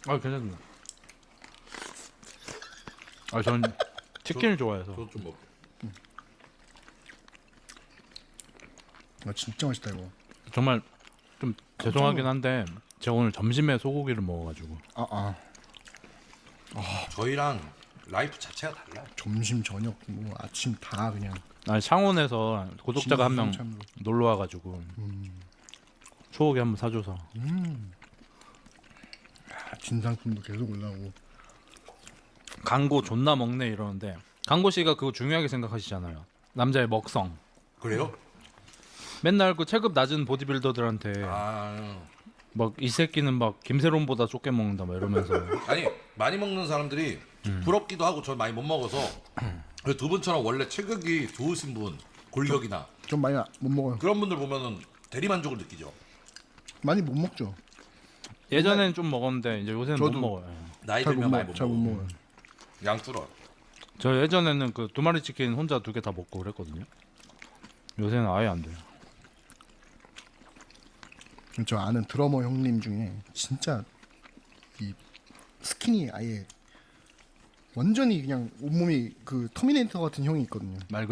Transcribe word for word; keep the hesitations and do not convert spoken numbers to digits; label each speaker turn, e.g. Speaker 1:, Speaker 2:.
Speaker 1: 아 괜찮습니다. 아 전 치킨을 좋아해서.
Speaker 2: 저도 좀 먹.
Speaker 3: 아 진짜 맛있다 이거.
Speaker 1: 정말 좀 죄송하긴 한데 제가 오늘 점심에 소고기를 먹어가지고.
Speaker 3: 아 아.
Speaker 2: 저희랑 라이프 자체가 달라요.
Speaker 3: 점심 저녁 뭐 아침 다 그냥.
Speaker 1: 아니 창원에서 구독자가 한 명
Speaker 3: 진상참으로.
Speaker 1: 놀러 와가지고 소고기 한번 사줘서.
Speaker 3: 아, 진상품도 계속 올라오고.
Speaker 1: 강고 존나 먹네 이러는데 강고 씨가 그거 중요하게 생각하시잖아요. 남자의 먹성.
Speaker 2: 그래요?
Speaker 1: 맨날 그 체급 낮은 보디빌더들한테
Speaker 2: 아
Speaker 1: 막 이 새끼는 막 김세론보다 좁게 먹는다 막 이러면서.
Speaker 2: 아니 많이 먹는 사람들이 부럽기도 하고 저 많이 못 먹어서 그두 분처럼 원래 체격이 좋으신 분 골격이나
Speaker 3: 좀 많이 못 먹어요.
Speaker 2: 그런 분들 보면은 대리만족을 느끼죠.
Speaker 3: 많이 못 먹죠.
Speaker 1: 예전에는 좀 먹었는데 이제 요새는
Speaker 3: 저도
Speaker 1: 못 먹어요.
Speaker 2: 나이
Speaker 3: 잘 못
Speaker 2: 들면 많이
Speaker 3: 먹,
Speaker 2: 못
Speaker 3: 잘못
Speaker 2: 먹어.
Speaker 3: 먹어요.
Speaker 2: 양 줄어.
Speaker 1: 저 예전에는 그 두 마리 치킨 혼자 두 개 다 먹고 그랬거든요. 요새는 아예 안 돼요.
Speaker 3: 저 아는 드러머 형님 중에 진짜 이 스킨이 아예 완전히 그냥 온몸이 그 터미네이터 같은 형이 있거든요.
Speaker 1: 말